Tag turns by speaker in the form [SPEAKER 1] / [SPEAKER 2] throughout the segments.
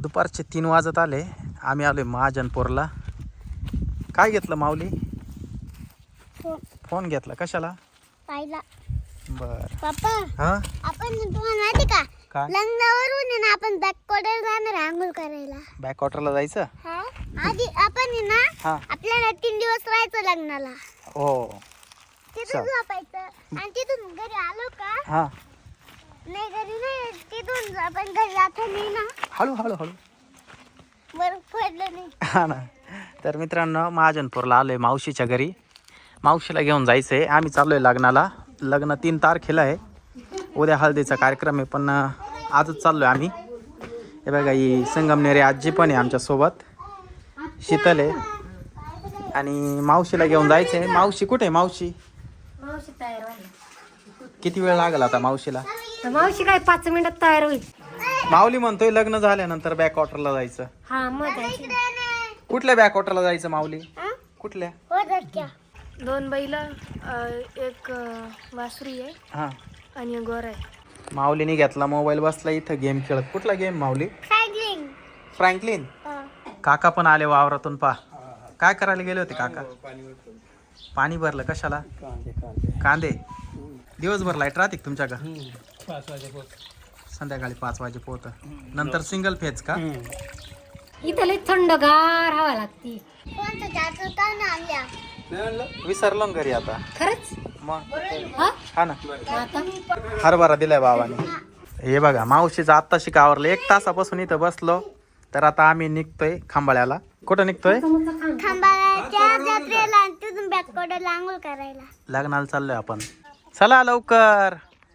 [SPEAKER 1] दुपारचे 3 वाजत आले. आम्ही आलोय महाजनपूरला. काय घेतलं माऊली? फोन घेतला. कशाला?
[SPEAKER 2] पाहिला.
[SPEAKER 1] बर.
[SPEAKER 2] पप्पा
[SPEAKER 1] हा
[SPEAKER 2] आपण तुम्हाला माहिती का
[SPEAKER 1] काय?
[SPEAKER 2] लग्नावरून आहे ना आपण बॅकवॉटर जाणार आहे आंघोळ करायला.
[SPEAKER 1] बॅकवॉटरला जायचं?
[SPEAKER 2] हा आधी आपण आहे ना
[SPEAKER 1] हा
[SPEAKER 2] आपल्याला 3 दिवस राहायचं लग्नाला.
[SPEAKER 1] हो.
[SPEAKER 2] तिथून झोपायचं आणि तिथून घरी आलो का
[SPEAKER 1] हा
[SPEAKER 2] नाही घरी नाही तिथून आपण घरी जातो नाही ना
[SPEAKER 1] हळू हळू हळू.
[SPEAKER 2] बर्फ पडलं नाही.
[SPEAKER 1] हा ना. तर मित्रांनो महाजनपूरला आलोय मावशीच्या घरी. मावशीला घेऊन जायचंय. आम्ही चाललोय लग्नाला. लग्न 3 तारखेला आहे. उद्या हळदीचा कार्यक्रम आहे पण आजच चाललोय आम्ही. हे बघा ही संगमनेरी आजी पण आहे आमच्यासोबत. शीतल आहे आणि मावशीला घेऊन जायचंय. मावशी कुठे आहे? मावशी
[SPEAKER 3] मावशी तयार व्हायला.
[SPEAKER 1] किती वेळ लागला आता मावशीला?
[SPEAKER 3] मावशी काय 5 मिनिटात तयार होईल.
[SPEAKER 1] माऊली म्हणतोय लग्न झाल्यानंतर बॅकवॉटरला जायचं.
[SPEAKER 3] हा मग जायची.
[SPEAKER 1] कुठल्या बॅकवॉटरला जायचं माऊली?
[SPEAKER 2] हा?
[SPEAKER 1] कुठल्या?
[SPEAKER 2] हो तर क्या
[SPEAKER 3] 2 बैल, एक वासुरी आहे
[SPEAKER 1] हा
[SPEAKER 3] आणि एक गोर आहे.
[SPEAKER 1] माऊलीने घेतला मोबाईल, बसला इथं गेम खेळत. कुठला गेम माऊली?
[SPEAKER 2] सायकलिंग.
[SPEAKER 1] फ्रँकलिन. काका पण आले वावरातून. पा काय करायला गेले होते काका? पाणी भरलं. कशाला? कांदे. दिवसभर लाईट राहते का तुमच्या का?
[SPEAKER 4] 5 वाजेपर्यंत.
[SPEAKER 1] संध्याकाळी 5 वाजे पोहत. नंतर सिंगल फेज का?
[SPEAKER 3] इथं लई थंडगार हवा लागती.
[SPEAKER 2] कोणतं जातो का ना आणल्या
[SPEAKER 1] विसरलो ना घरी आता.
[SPEAKER 3] खरंच?
[SPEAKER 1] मग
[SPEAKER 3] हा
[SPEAKER 1] हा ना.
[SPEAKER 3] आता
[SPEAKER 1] हरभरा दिलाय बाबाने. हे बघा मावशीचं आत्ताशी आवरलं. 1 तासापासून इथं बसलो. तर आता आम्ही निघतोय खांबाळ्याला. कुठं निघतोय?
[SPEAKER 2] खांबाळ्याच्या जत्रेला आणि तिथून बॅकवॉटरला आंघोळ करायला.
[SPEAKER 1] लग्नाला चाललोय आपण. चला लवकर.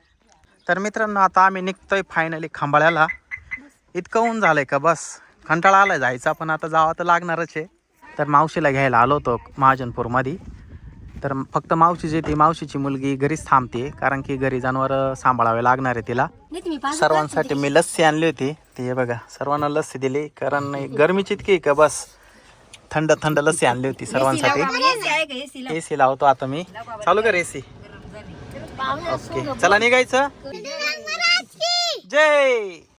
[SPEAKER 1] तर मित्रांनो आता आम्ही निघतोय फायनली खांबाळ्याला. इतकं ऊन झालंय का बस कंटाळा आलाय जायचा. पण आता जावं तर लागणारच आहे. तर मावशीला घ्यायला आलो होतो महाजनपूरमध्ये. तर फक्त मावशीची ती मावशीची मुलगी घरीच थांबते कारण की घरी जनावर सांभाळावे लागणार आहे तिला.
[SPEAKER 3] नाही तुम्ही पाच
[SPEAKER 1] सर्वांसाठी मी लस्सी आणली होती. ती हे बघा सर्वांना लस्सी दिली कारण गरमीची इतकी आहे का बस थंड थंड लस्सी आणली होती सर्वांसाठी. एसी लावतो आता मी. चालू कर एसी. ओके चला निघायचं. जय